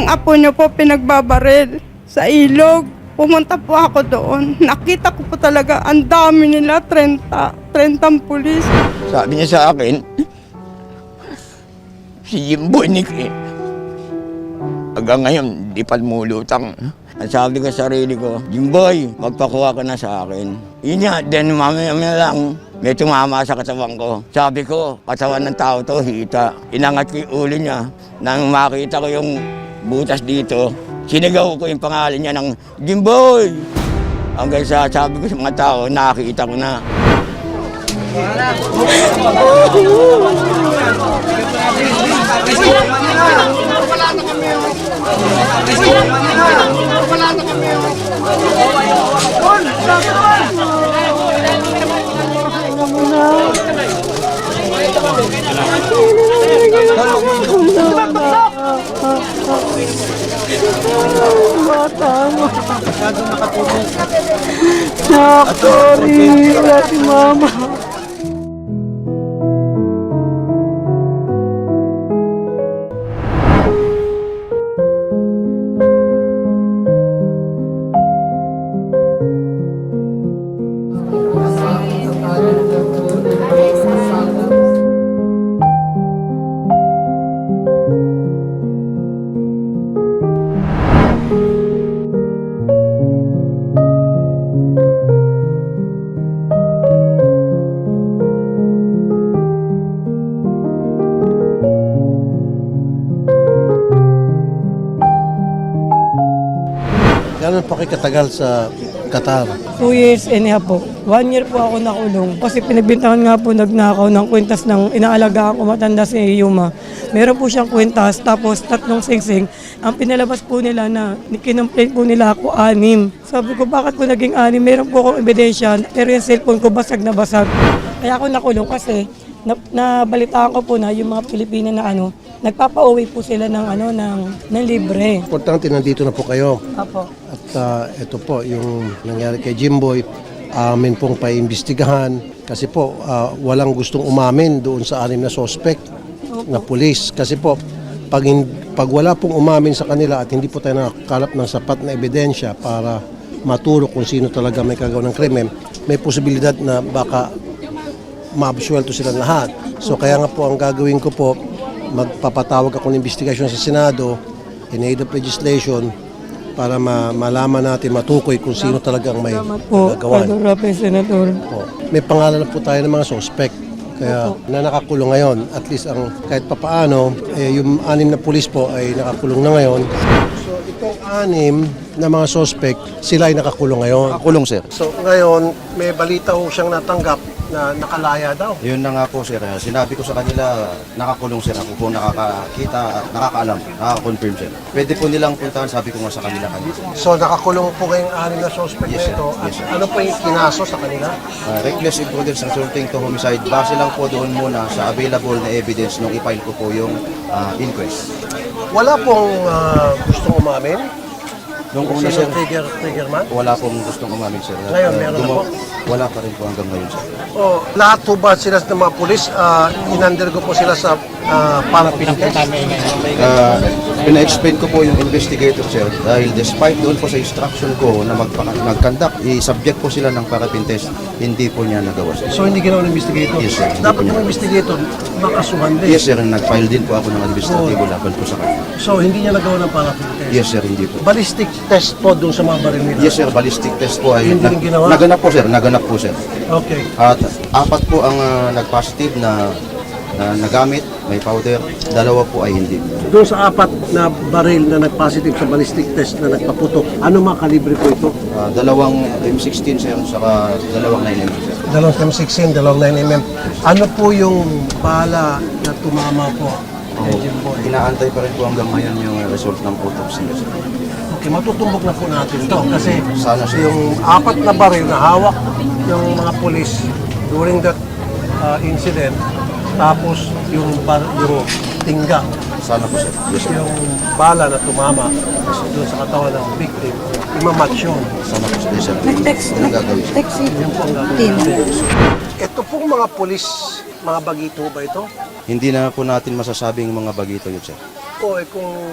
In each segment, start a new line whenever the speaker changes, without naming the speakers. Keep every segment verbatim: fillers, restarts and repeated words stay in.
apo niyo po pinagbabaril sa ilog. Pumunta po ako doon. Nakita ko po talaga, ang dami nila, thirty, thirty pulis.
Sabi niya sa akin, si Jimboy Nick eh. Hanggang ngayon, di pa lumulutang. At sabi ko sa sarili ko, Jimboy, magpakuha ka na sa akin. Yun nga, then mamaya-maya lang, may tumama sa katawan ko. Sabi ko, katawan ng tao to, hita. Inangat ko yung ulo niya. Nang makita ko yung butas dito, sinigaw ko yung pangalan niya ng Jimboy. Hanggang sa sabi ko sa mga tao, nakita ko na.
Nak, sorry, wala si mama.
Gano'n pa kayo katagal sa Qatar?
Two years and a half po. One year po ako nakulong. Kasi pinagbintangan nga po nagnakaw ng kwintas ng inaalagaan ko matanda si Yuma. Meron po siyang kwintas, tapos tatlong singsing. Ang pinalabas po nila na kinumplain po nila ako anim. Sabi ko, bakit po naging anim? Meron po akong ebidensya, pero yung cellphone ko basag na basag. Kaya ako nakulong kasi na, nabalitaan ko po na yung mga Pilipino na ano, nagpapauwi po sila ng ano ng, ng libre.
Importante, nandito na po kayo.
Apo.
At uh, ito po, yung nangyari kay Jimboy, amin pong paimbestigahan. Kasi po, uh, walang gustong umamin doon sa anim na suspect na pulis. Kasi po, pag, pag wala pong umamin sa kanila at hindi po tayo nakakalap ng sapat na ebidensya para maturo kung sino talaga may kagawa ng krimen, may posibilidad na baka maabsuelto silang lahat. So kaya nga po ang gagawin ko po, magpapatawag ako ng investigasyon sa Senado in aid of legislation para ma malaman natin, matukoy kung sino talagang may
Po,
gagawan.
Padurape, Senator.
Po. May pangalan na po tayo ng mga suspect. Kaya na nakakulong ngayon, at least ang kahit papaano, eh, yung anim na pulis po ay nakakulong na ngayon. So itong anim na mga suspect, sila ay nakakulong ngayon.
Nakakulong, sir.
So ngayon, may balita ho siyang natanggap na nakalaya daw.
Yun na nga po, sir. Sinabi ko sa kanila, nakakulong, sir. Ako po nakakakita at nakakaalam, nakaka-confirm, sir. Pwede po nilang puntahan, sabi ko nga sa kanila kanina.
So nakakulong po kayong anim na suspect
Yes,
na ito.
sir.
At
Yes, sir.
ano po yung kinaso sa kanila?
Uh, reckless imprudence resulting to homicide. Base lang po doon muna sa available na evidence nung i-file ko po yung uh, inquest.
Wala pong ah, gustong umamin?
Nung una,
Sino
sir,
trigger, trigger man?
wala pong gustong umamin, sir.
Ngayon,
Uh,
meron na
dumo-
po?
Wala pa rin po hanggang ngayon, sir.
O, lahat po ba sila ng mga pulis, uh, in-undergo po sila sa uh, parapin test?
Uh, Pina-explain ko po yung investigator, sir, dahil despite doon po sa instruction ko na magpa- mag-conduct, i-subject po sila ng parapin test, hindi po niya nagawa, sir.
So hindi ginawa ng investigator?
Yes, sir. Hindi
Dapat
po niya.
yung investigator makasuhan din.
Yes, sir. Nag-file din po ako ng administratibo laban po sa kanya.
So hindi niya nagawa ng parapin test?
Yes, sir. Hindi po.
Ballistic test po doon sa mga baril nila?
Yes, sir. Ballistic test po ay
Hindi rin ginawa?
naganap po, sir. Naganap po, sir.
Okay.
At apat po ang uh, nag-positive na, na nagamit, may powder. Dalawa po ay hindi.
Doon sa apat na baril na nag-positive sa ballistic test na nagpaputok, ano mga kalibre po ito?
Uh, dalawang M sixteen, sir, saka dalawang nine M M, sir.
Dalawang M sixteen, dalawang nine millimeter. Ano po yung bala na tumama po kay Jimboy?
Inaantay pa rin po hanggang ngayon yung result ng autopsy, sir.
Okay, matutumbok na po natin to kasi
Sana, sir.
yung apat na baril na hawak ng mga pulis during that uh, incident, tapos yung, bar, yung tingga,
Sana po, sir. Yes, sir.
yung bala na tumama doon sa katawan ng victim, imamatch yun.
Sana po, sir. Yes, sir.
Nag-text,
Anong gagawin, sir?
nag-text si
Yun po ang
Tin.
gagawin natin. Ito pong mga pulis, mga bagito ba ito?
Hindi na po natin masasabing mga bagito yun, sir.
O eh, kung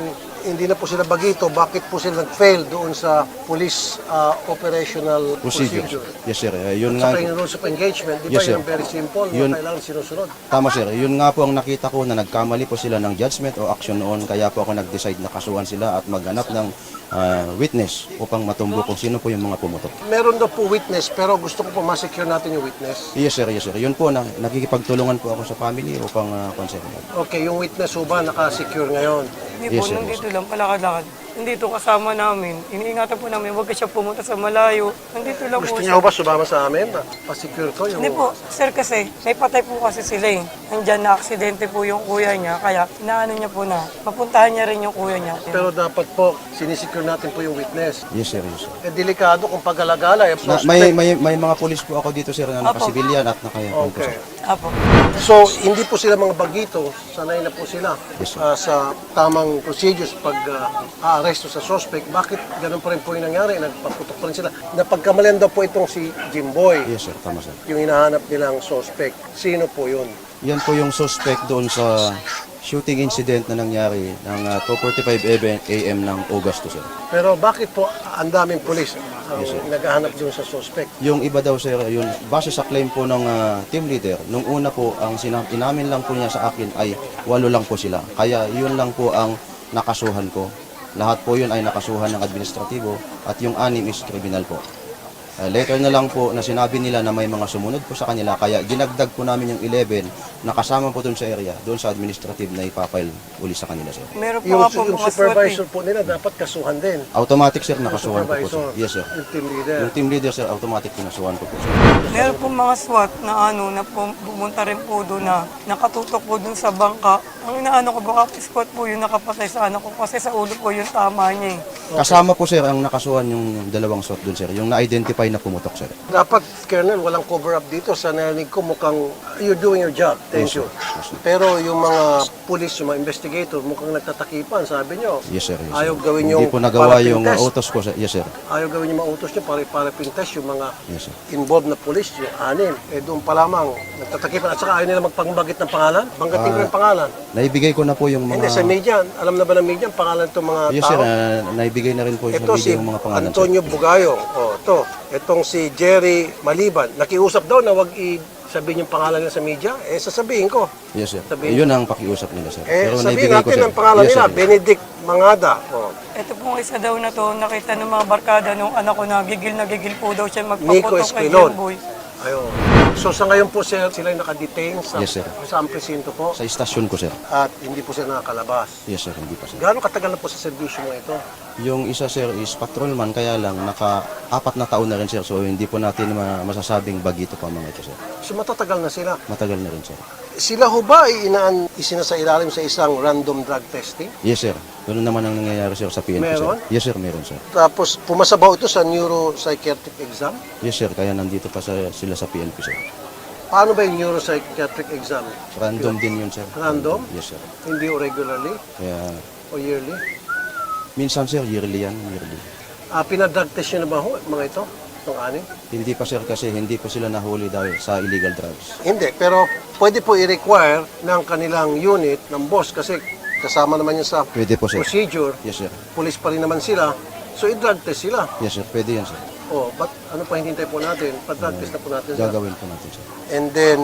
hindi na po sila bagito, bakit po sila nag-fail doon sa police ah, operational
Procedure.
procedure?
Yes, sir. Eh, yun
At
nga,
saka yung rules of engagement, di ba
Yes, sir.
yung very simple,
Yun-
na kailangan sinusunod.
tama, sir. Yun nga po ang nakita ko na nagkamali po sila ng judgment o action noon. Kaya po ako nag-decide na kasuhan sila at maghanap ng ah, witness upang matumbo kung sino po yung mga pumutok.
Meron daw po witness, pero gusto ko po ma-secure natin yung witness.
Yes, sir. Yes, sir. Yun po, na, nakikipagtulungan po ako sa family upang uh, consent.
Okay, yung witness ho ba naka-secure ngayon?
Hindi po,
Yes, sir.
nandito lang, palakad-lakad. Nandito kasama namin. Iniingatan po namin, huwag ka siya pumunta sa malayo. Nandito lang
Gusto
po
niyo
siya.
ho ba sumama sa amin? na Pa-secure ko yung...
Hindi po, sir kasi, may patay po kasi sila eh. Nandyan na aksidente po yung kuya niya, kaya inaano niya po na, mapuntahan niya rin yung kuya niya.
Pero dapat po, sinisecure natin po yung witness.
Yes, sir. Yes, sir.
Eh, delikado kung paggalagala. Eh,
Na, may, may, may mga pulis po ako dito, sir, na nakasibilyan at nakayapon po,
Okay.
sir.
Apo.
So, hindi po sila mga bagito, sanay na po sila
Yes, sir.
ah, sa tamang procedures pag ah, aaresto sa suspect. Bakit ganun pa rin po yung nangyari? Nagpaputok pa rin sila. Napagkamalian daw po itong si Jimboy,
Yes, sir. Tama, sir.
yung hinahanap nilang suspect. Sino po yun?
Yan po yung suspect doon sa shooting incident na nangyari ng uh, two forty-five a m ng August, sir.
Pero bakit po ang daming polis ang naghahanap doon sa suspect?
Yung iba daw, sir, yung base sa claim po ng uh, team leader, nung una po, ang sinam- inamin lang po niya sa akin ay walo lang po sila. Kaya yun lang po ang nakasuhan ko. Lahat po yun ay nakasuhan ng administratibo at yung anim is criminal po. Uh, later na lang po na sinabi nila na may mga sumunod po sa kanila, kaya ginagdag po namin yung eleven na kasama po dun sa area, doon sa administrative na ipapile uli sa kanila, sir.
Meron po
Yung,
nga po
yung
mga
supervisor
SWAT
po nila dapat kasuhan din.
Automatic, sir,
Yung
nakasuhan ko po, sir.
supervisor,
Yes, sir.
yung team leader.
Yung team leader, sir, automatic pinasuhan ko po, sir.
eh. Meron po mga SWAT na ano, na pum- pumunta rin po doon na nakatutok po doon sa bangka. Ang inaano ko, baka SWAT po yung nakapatay sa ano ko kasi sa ulo po yung tama niya eh.
Kasama po, sir, ang nakasuhan yung dalawang SWAT doon, sir. Yung na-identify na pumutok, sir.
Dapat, Colonel, walang cover up dito. Sa narinig ko mukhang you're doing your job. Thank
Yes,
you.
sir. Yes, sir.
Pero yung mga police, yung mga investigator, mukhang nagtatakipan, sabi nyo.
Yes, sir. Yes, sir.
Ayaw gawin yung
Hindi po nagawa
parapin
yung uh,
test.
utos ko, sir. Yes, sir.
Ayaw gawin yung mautos nyo para para test yung mga
Yes, sir.
involved na police, yung anim. Eh doon pa lamang nagtatakipan. At saka ayaw nila magpangbagit ng pangalan. Banggatin ko
Ah.
yung pangalan.
Naibigay ko na po yung mga...
Hindi, sa media. Alam na ba ng media ang pangalan itong mga
Yes,
tao?
sir. Uh, naibigay na rin po sa
Ito si
video yung mga pangalan, sir.
Antonio Bugayo. Oh, ito. Itong si Jerry Maliban. Nakiusap daw na wag i sabihin yung pangalan nila sa media. Eh, sasabihin ko.
Yes, sir.
Sabihin-
Eh, yun ang pakiusap nila, sir.
Eh,
Pero
sabihin
naibigay ko,
natin
sir.
ang pangalan
Yes,
nila.
sir.
Benedict Mangada. Oh.
Ito pong isa daw na to, nakita ng mga barkada nung anak ko na gigil na gigil po daw siya
Nico
magpaputok kay
Esquilon.
Jimboy.
Ayun. So sa ngayon po sir, sila yung nakadetain sa,
Yes, sir.
sa presinto po
Sa istasyon ko, sir.
at hindi po sila nakakalabas.
Yes, sir. Hindi pa, sir.
Gaano katagal na po sa serbisyo mo ito?
Yung isa, sir, is patrolman, kaya lang naka-apat na taon na rin, sir. So, hindi po natin ma- masasabing bagito pa mga ito, sir.
So matatagal na sila.
Matagal na rin, sir.
Sila ho ba ay inaan isinasailalim sa isang random drug testing?
Yes, sir. Ganun naman ang nangyayari, sir, sa P N P,
Meron?
sir. Yes, sir. Meron, sir.
Tapos pumasa ba ito sa neuropsychiatric exam?
Yes, sir. Kaya nandito pa sa, sila sa P N P, sir.
Paano ba yung neuropsychiatric exam?
Random din yun, sir.
Random?
Yes, sir.
Hindi o regularly
Kaya,
o yearly?
minsan, sir, yearly yan, yearly.
Ah, pinadrug test nyo na ba ho, mga ito? Itong anim?
Hindi pa, sir, kasi hindi pa sila nahuli dahil sa illegal drugs.
Hindi, pero pwede po i-require ng kanilang unit, ng boss, kasi kasama naman yun sa
Pwede po, sir.
procedure.
Yes, sir.
Police pa rin naman sila. So, i-drug test sila.
Yes, sir. Pwede yan, sir.
Oh, but ano pa hinihintay po natin? Pa-drug test na po natin sila.
Gagawin po natin, sir.
And then,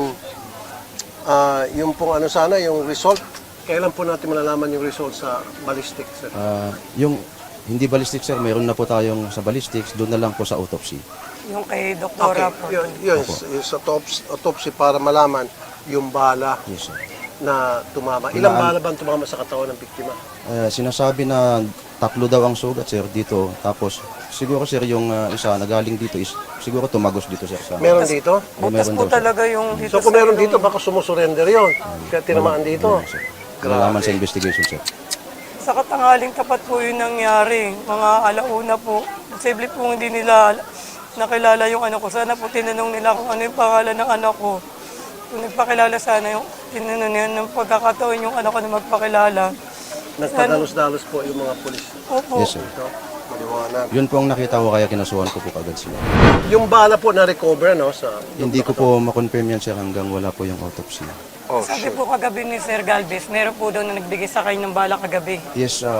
ah, yung pong ano sana, yung result, kailan po natin malalaman yung result sa ballistic, sir?
Ah, yung hindi ballistics, sir, mayroon na po tayong sa ballistics, doon na lang po sa autopsy.
Yung kay
Okay,
Doktora po.
yun, yun, yung sa autopsy, autopsy para malaman yung bala
Yes, sir.
na tumama. Ilang
Ilaan-
bala ba ang tumama sa katawan ng biktima?
Ah, sinasabi na tatlo daw ang sugat, sir, dito. Tapos, siguro, sir, yung ah, isa na galing dito is, siguro tumagos dito, sir. Sa,
Meron dito?
Butas
meron
po
daw, sir.
talaga yung dito
So kung
sa
meron
ilong.
dito, baka sumusurrender yon. Kaya tinamaan dito.
Meron, sir. Malalaman sa investigation, sir.
Sa katangaling tapat po yung nangyari. Mga alauna po. Posible po hindi nila nakilala yung anak ko. Sana po tinanong nila kung ano yung pangalan ng anak ko. Kung nagpakilala sana yung tinanong niya ng pagkakataon yung anak ko na magpakilala.
Nagpadalos-dalos po yung mga pulis.
Opo.
Yes, sir.
Ito, maliwanag.
Yun po ang nakita ko, kaya kinasuhan ko po kagad sila.
Yung bala po na-recover, no? Sa,
Hindi ko po makonfirm yan, sir, hanggang wala po yung autopsy.
Oh,
Sabi
sure.
po kagabi ni Sir Galvez, meron po daw na nagbigay sa kanya ng bala kagabi.
Yes, ah,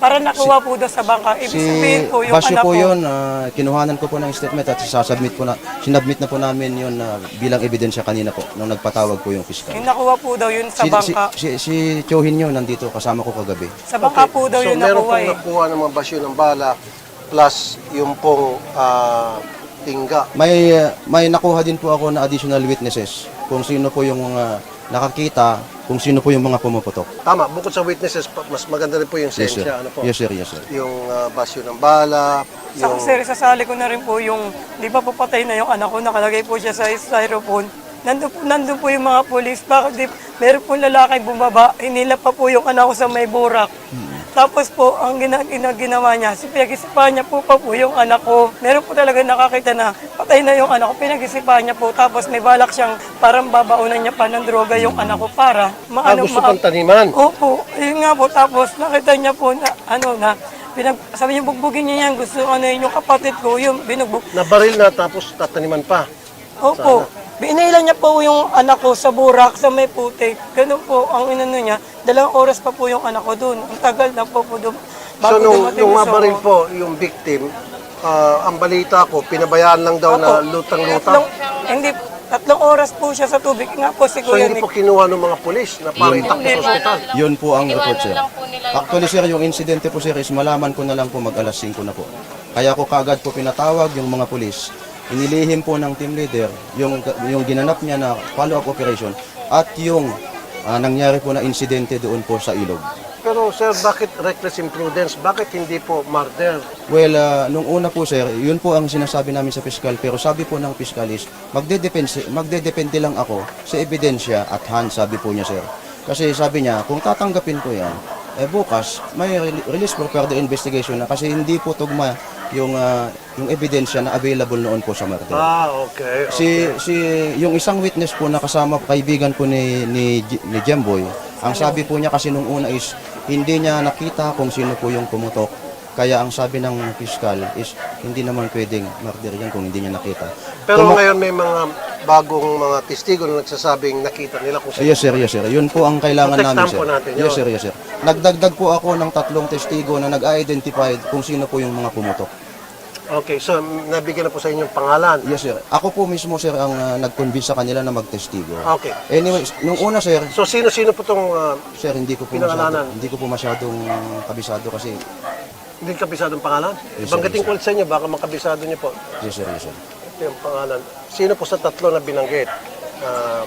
Para nakuha po doon sa bangka. Ibig
Si
sabihin po yung
Basyo
anak
po
ko.
yun, ah, kinuhanan ko po ng statement at sasubmit po na, sinubmit na po namin yun na bilang ebidensya kanina po nung nagpatawag po yung piskal.
Yung nakuha po daw yun sa
Si, si,
bangka.
si, si Chohin yun nandito kasama ko kagabi.
Sa bangka po daw
so
yun
meron
nakuha
pong
eh.
nakuha ng mga basyo ng bala plus yung pong ah, tingga.
May ah, may nakuha din po ako na additional witnesses kung sino po yung mga nakakita, kung sino po yung mga pumuputok.
Tama, bukod sa witnesses, pa- mas maganda rin po yung
Yes sir.
sensya. Ano po?
Yes sir, yes sir.
Yung ah, basyo ng bala,
Sa
yung...
sir, sasali ko na rin po yung, di ba po patay na yung anak ko, nakalagay po siya sa styrofoam. Nandun po, nandun po yung mga polis. Bakit di, meron po lalaki bumaba, hinila pa po yung anak ko sa may burak. Tapos po, ang gina, gina, ginawa niya, si pinag-isipan niya po pa po yung anak ko. Meron po talaga nakakita na patay na yung anak ko, pinag-isipan niya po. Tapos may balak siyang parang babaunan niya pa ng droga yung anak ko para
Ah,
maano
gusto pang taniman.
Opo, yun nga po. Tapos nakita niya po na ano na, pinag, sabi niya bugbugin niya yan. Gusto ano yun, yung kapatid ko, yung binugbog.
Nabaril na tapos tataniman pa.
Opo, binailan niya po yung anak ko sa burak, sa may putik. Ganun po ang inano niya. Dalawang oras pa po yung anak ko doon. Ang tagal na po po doon.
So nung,
dumating
nung
sa-
mabaril po yung victim, ah, ang balita ko, pinabayaan lang daw na
Opo.
lutang-lutang.
Tatlong, hindi, tatlong oras po siya sa tubig. Nga po si
So
Kuya
hindi
Nick.
po kinuha ng mga pulis na para itakbo sa ospital.
Yun po ang report sir. Actually sir, yung insidente po sir is malaman ko na lang po mag alas singko na po. Kaya ko kaagad po pinatawag yung mga pulis. Inilihim po ng team leader yung, yung ginanap niya na follow-up operation at yung ah, nangyari po na insidente doon po sa ilog.
Pero sir, bakit reckless imprudence? Bakit hindi po murder?
Well, ah, nung una po sir, yun po ang sinasabi namin sa piskal. Pero sabi po ng piskal is, magdedepende, magdedepende lang ako sa ebidensya at hand, sabi po niya sir. Kasi sabi niya, kung tatanggapin ko yan, eh bukas may re- release for further investigation na kasi hindi po tugma yung ah, yung ebidensya na available noon po sa murder.
Ah, okay.
Si si yung isang witness po na kasama kaibigan po ni ni, J- ni Jemboy, ang sabi po niya kasi nung una is hindi niya nakita kung sino po yung pumutok. Kaya ang sabi ng piskal is hindi naman pwedeng murder yan kung hindi niya nakita.
Pero
Tumo-
ngayon may mga bagong mga testigo na nagsasabing nakita nila kung sino.
Yes sir, yes sir. Yun po ang kailangan
Protectan
namin sir.
po natin yun.
Yes sir, yes sir. Nagdagdag po ako ng tatlong testigo na nag-identify kung sino po yung mga pumutok.
Okay, so nabigyan na po sa inyong pangalan.
Yes sir. Ako po mismo sir ang uh, nag-convince sa kanila na magtestigo.
Okay.
Anyways, nung una sir,
So sino-sino po itong uh,
sir hindi ko po
Pinangalanan.
masyado, hindi ko po masyadong kabisado kasi
hindi kabisadong pangalan?
Yes, sir,
Banggitin
yes,
ko ulit sa inyo, baka makabisado niyo po.
yes sir, yes sir.
Ito yung pangalan. Sino po sa tatlo na binanggit? Ah,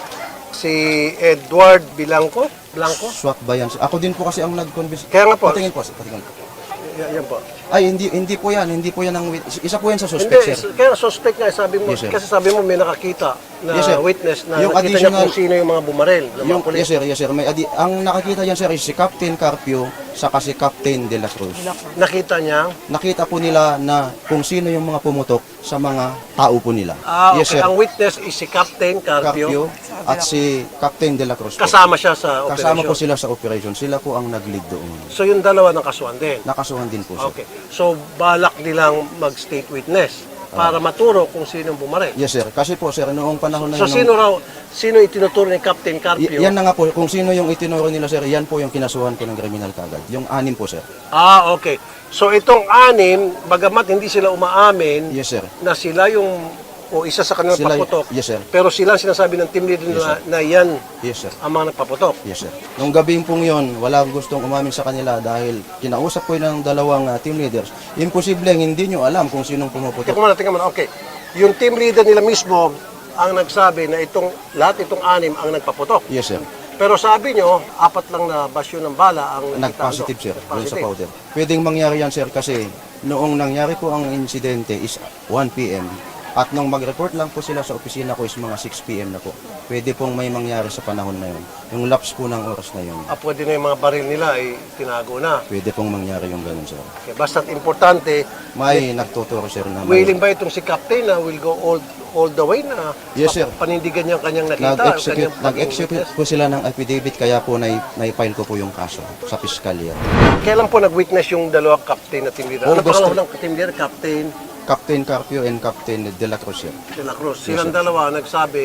si Edward Bilanco? Blanco?
Swak ba yan? Ako din po kasi ang nag-convince.
Kaya nga po.
Patingin po, sir, patingin po.
Y- yan po.
Ay, hindi hindi po yan, hindi po yan ang wit- isa po yan sa
Hindi,
suspect sir.
kaya suspect nga, sabi mo,
Yes, sir.
kasi sabi mo may nakakita na
Yes, sir.
witness na
Yung
nakita niya
additional-
kung sino yung mga bumarel. ng mga
Yung,
pulis.
yes sir, yes sir. May adi- ang nakakita yan sir is si Captain Carpio saka si Captain De La Cruz.
Nakita niya.
Nakita po nila na kung sino yung mga pumutok sa mga tao po nila.
Ah, okay.
Yes sir.
Ang witness is si Captain
Carpio
Carpio.
at si Captain De La Cruz po.
Kasama siya sa
Kasama po
operasyon.
sila sa operation. Sila po ang nag-lead doon.
So yung dalawa ng kasuhan din.
Nakasuhan din po sir.
Okay. So balak nilang mag-state witness para maturo kung sino bumarel.
Yes sir. Kasi po sir, noong panahon na
So
yun,
sino raw, sino itinuturo ni Captain
Y-
Carpio?
yan na nga po, kung sino yung itinuro nila sir, yan po yung kinasuhan ko ng kriminal kagad. Yung anim po sir.
Ah, okay. So itong anim, bagamat hindi sila umaamin
Yes sir.
na sila yung o isa sa kanilang
Sila-
paputok.
yes, sir.
Pero sila ang sinasabi ng team leader
Yes,
na, na yan
Yes sir.
ang mga nagpaputok.
Yes sir. Nung gabing pong yon, wala gustong umamin sa kanila dahil kinausap ko yun ng dalawang ah, team leaders. Imposible hindi nyo alam kung sinong
Tingnan
pumuputok.
mo na, tingnan mo na. Okay. Yung team leader nila mismo ang nagsabi na itong lahat itong anim ang nagpaputok.
Yes sir.
Pero sabi nyo, apat lang na basyo ng bala ang nakita,
Nag-positive
ano?
sir, doon sa
Nag-positive.
powder. Pwedeng mangyari yan sir kasi noong nangyari po ang insidente is one p m at nung mag-report lang po sila sa opisina ko is mga six p m na po. Pwede pong may mangyari sa panahon na yun. Yung lapse po ng oras na yun.
Ah, pwede na yung mga baril nila ay tinago na.
Pwede pong mangyari yung ganun sir.
Okay. Basta't importante,
May nagtuturo sir na may
willing ba itong si Captain na will go all all the way na
Yes, sir.
panindigan niya ang kanyang nakita?
nag-execute,
kanyang
nag-execute
pag-witness?
po sila ng affidavit kaya po nai, naipile ko po yung kaso sa piskalya.
Kailan po nag-witness yung dalawang captain na team leader? Ano
August
pangalan ng team leader? Captain
Captain Carpio and Captain De La Cruz sir.
De La Cruz. Silang dalawa nagsabi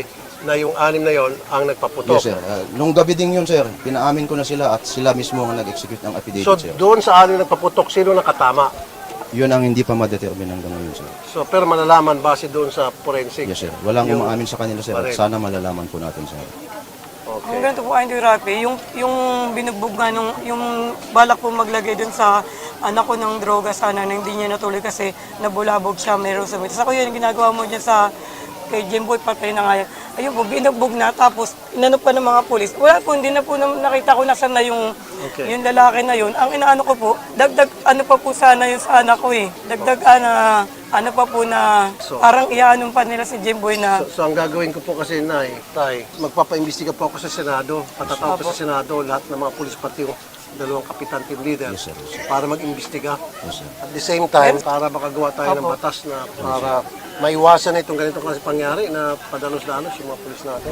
na yung anim na yon ang nagpaputok.
Yes, sir. Uh, nung gabi din yun, sir, pinaamin ko na sila at sila mismo ang nag-execute ng affidavit,
So
sir.
doon sa anim nagpaputok, sino nakatama?
Yun ang hindi pa ma-determine hanggang ngayon, sir.
So pero malalaman base doon sa forensic.
Yes, sir. Walang
Yung
umaamin sa kanila, sir. At
baril.
sana malalaman po natin, sir.
Ang
Okay.
ganito po, Andy Rapi, yung, yung binugbog nga nung, yung balak po maglagay dun sa anak ko ng droga sana na hindi niya natuloy kasi nabulabog siya, meron sa mitas. Ako yun, yung ginagawa mo dyan sa kay Jimboy, patay na nga yan. Ayun po, binugbog na, tapos inano pa ng mga pulis. Wala po, hindi na po na, nakita ko nasan na yung,
Okay.
yung lalaki na yun. Ang inaano ko po, dagdag ano pa po sana yun sa anak ko eh. Dagdag ana, ano pa po na
So-
parang iaanon pa nila si Jimboy na
So, so ang gagawin ko po kasi, Nay, Tay, magpapaimbestiga po ako sa Senado. Patatawag ko sa Senado lahat ng mga pulis pati yung dalawang kapitan team leader
Yes, sir. Yes, sir.
para mag-imbestiga.
Yes, sir.
At the same time, para makagawa tayo ng batas na para maiwasan na itong ganitong klase pangyari na padalos-dalos yung mga pulis natin.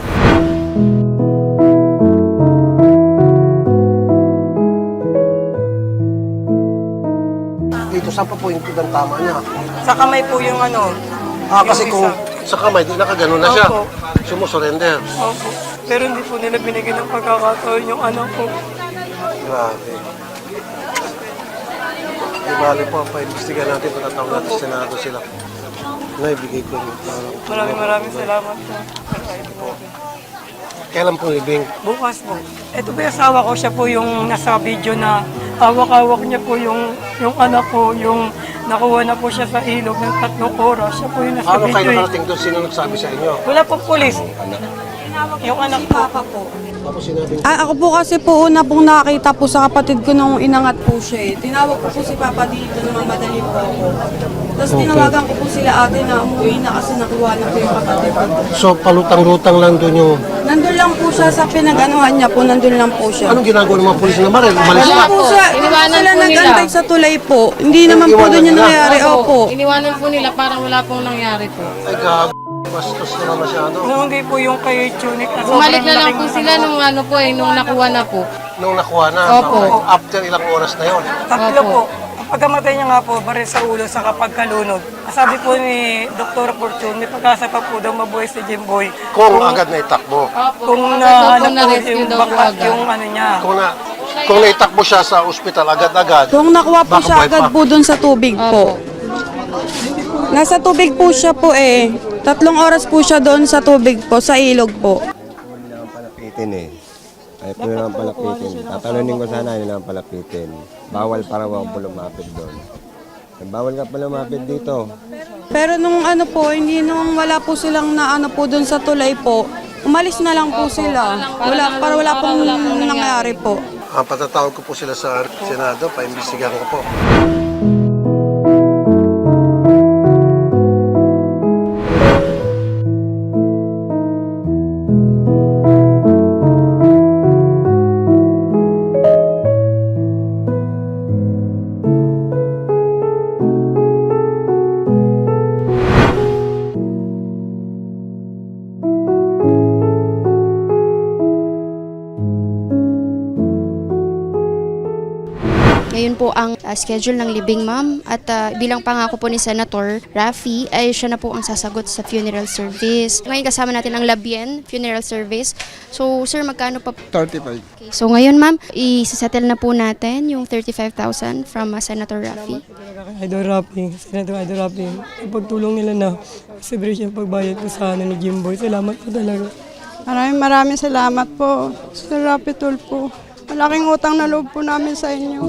Dito, saan pa po yung tudang tama niya?
sa kamay po yung ano.
Ah,
yung
kasi kung
isa.
sa kamay, di nakaganon na siya.
Opo.
Sumusurrender.
Opo. Pero hindi po nila binigyan ng pagkakataon yung anak ko.
Grabe. Di bali po, paimbestiga natin, patatawag natin sa Senado sila. Naibigay ko yung parang
Maraming maraming salamat po.
kailan po libing?
Bukas po. Ito po yung asawa ko, siya po yung nasa video na hawak-hawak niya po yung, yung anak ko, yung nakuha na po siya sa ilog ng tatlong oras. Siya po yung nasa
Ano kayo
video. eh.
nakarating doon? Sino nagsabi sa inyo?
Wala po pulis. Yung anak ko.
Tapos sinabi niyo,
Ah, ako po kasi po una pong nakakita po sa kapatid ko nung inangat po siya eh. Tinawag ko po si Papa dito na mamadali po ako. Tapos tinawagan ko po sila ate na umuwi na kasi nakuha na po yung kapatid ko.
so palutang-lutang lang doon yung...
Nandun lang po siya sa pinag-anuhan niya po, nandun lang po siya.
Anong ginagawa ng mga pulis na Marel? Umalis
Wala
na.
po siya,
Iniwanan
sila
po nila.
nag-antay sa tulay po. Hindi naman po
Iniwanan
doon yung
nila.
nangyayari. Opo.
Iniwanan po nila parang wala pong nangyari po.
Ay, gabi. Bastos naman masyado.
Nung hindi po yung kay Tunic. na
Bumalik
sobrang
na lang
laking
po sila nung ano po eh, nung nakuha na po.
Nung nakuha na,
Opo.
after ilang oras na yon.
Tatlo
Opo.
po. Ang pagkamatay niya nga po, baril sa ulo sa kapagkalunod. Sabi po ni Doktor Fortune, may pagkasa pa po daw mabuhay si Jimboy.
Kung agad na itakbo.
Opo.
Kung
Agad
na,
po
ano po,
na-rescue
yung
daw po
bakat,
agad.
yung ano niya.
Kung na kung naitakbo siya sa ospital agad-agad,
Kung nakuha po
baka
siya
buhay
agad
pa.
po doon sa tubig po. Nasa tubig po siya po eh. Tatlong oras po siya doon sa tubig po, sa ilog po.
Nila ang palapitin eh. Ayaw po nila ang palapitin. Tatalunin ko sana nila ang palapitin. Bawal para wag po lumapit doon. Eh, bawal ka pa lumapit dito.
Pero nung ano po, hindi nung wala po silang na ano po doon sa tulay po, umalis na lang po sila. Wala, para wala pong nangyari po.
ang patatawag ko po sila sa Senado, paimbestigahan ko po.
Ngayon po ang uh, schedule ng libing, ma'am. At uh, bilang pangako po ni Senator Raffy, ay siya na po ang sasagot sa funeral service. Ngayon kasama natin ang Labien Funeral Service. So, sir, magkano pa?
thirty-five.
Okay. So, ngayon, ma'am, i-settle na po natin yung thirty-five thousand from uh, Senator Raffy.
Idol Rapi, Senator Idol Rapi, yung pagtulong nila na celebration pagbayad po sa ano ni Jimboy. Salamat po talaga.
Maraming maraming salamat po, Sir Rapi Tulfo. Malaking utang na loob po namin sa inyo.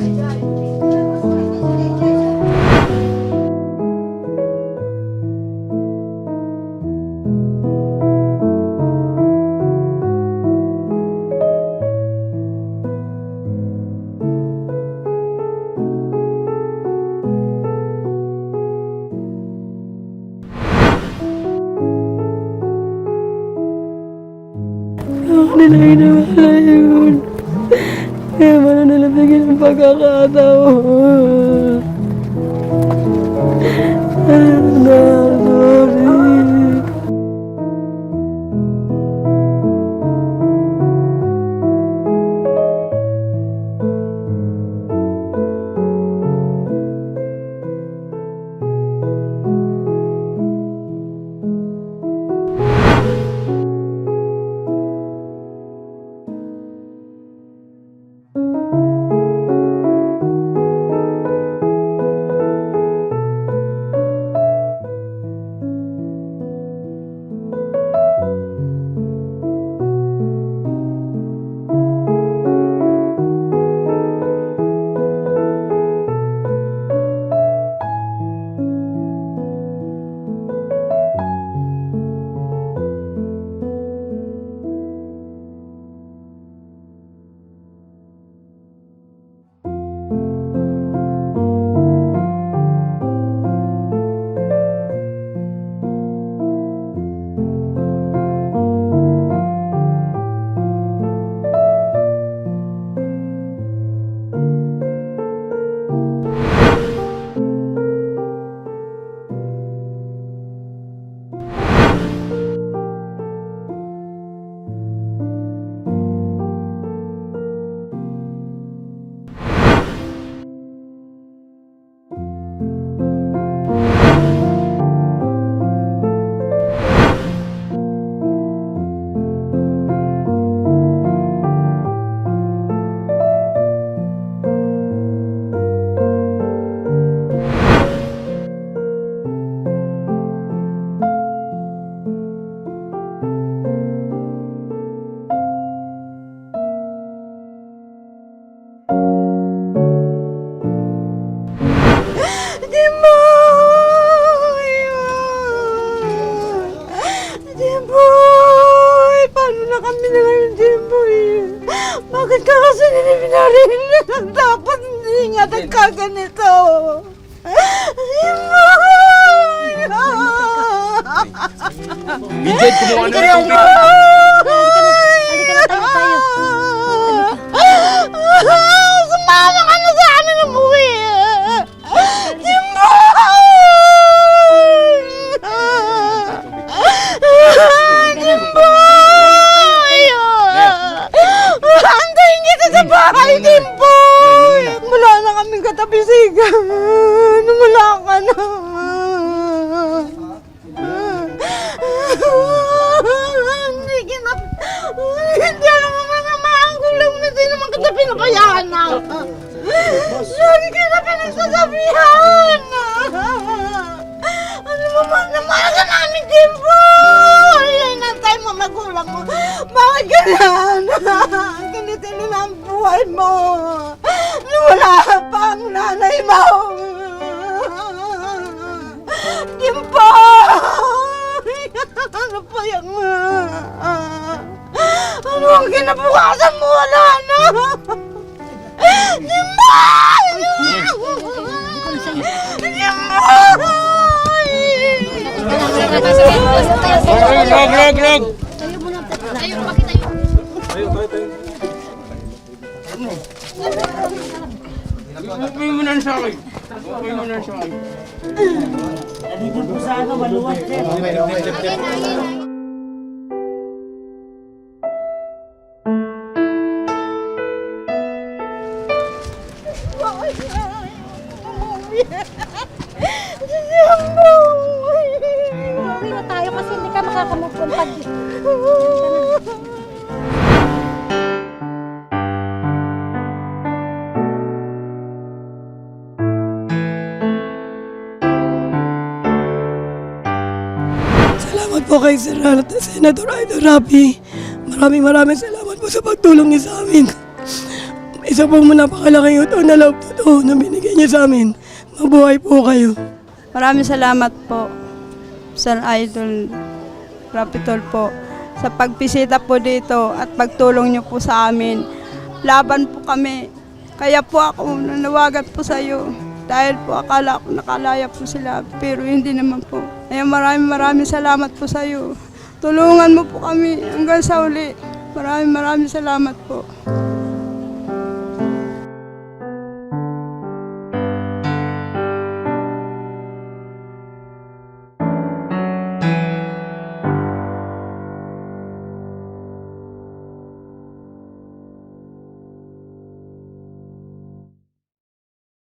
Ako nila inawala yun. Kaya wala nila bigyan ng pagkakataon. Ano, sorry.
nagkaganito?
Vincent, kumuha na ng tubig.
Halika na tayo tayo.
Sumama ka na sa amin umuwi! Antayin kita sa bahay, Dimpoy! Wala na kaming katapisigan. Wala ka na. Hindi kita... Hindi alam mo mga maanggulang na din naman kita pinabayaan na. Lagi kita pinagsasabihan. Ano mo man na mahal ka namin, Dimpoy! Ay, nantay mo magulang mo. Bakit ganyan? Ganito na ang buhay mo. Wala pang nanay mo. Dimpoy! Ano pa yan? Ano ang kinabukasan mo? Wala na. Dimpoy! Dimpoy!
Rog, rog, rog! Bukay mo na sa akin. Bukay mo na sa akin.
Uwi na tayo kasi hindi ka makakamove on pag...
Salamat po kay Sir Senator Idol Rafi. Maraming maraming salamat po sa pagtulong niya sa amin. Isa pong napakalaking utang na loob totoo na binigay niya sa amin. Mabuhay po kayo.
Maraming salamat po, Sir Idol Rapitol po, sa pagpisita po dito at pagtulong niyo po sa amin. Laban po kami. Kaya po ako nanawagan po sa iyo. Dahil po akala ko nakalaya po sila, pero hindi naman po. Kaya maraming maraming salamat po sa iyo. Tulungan mo po kami hanggang sa uli. Maraming maraming salamat po.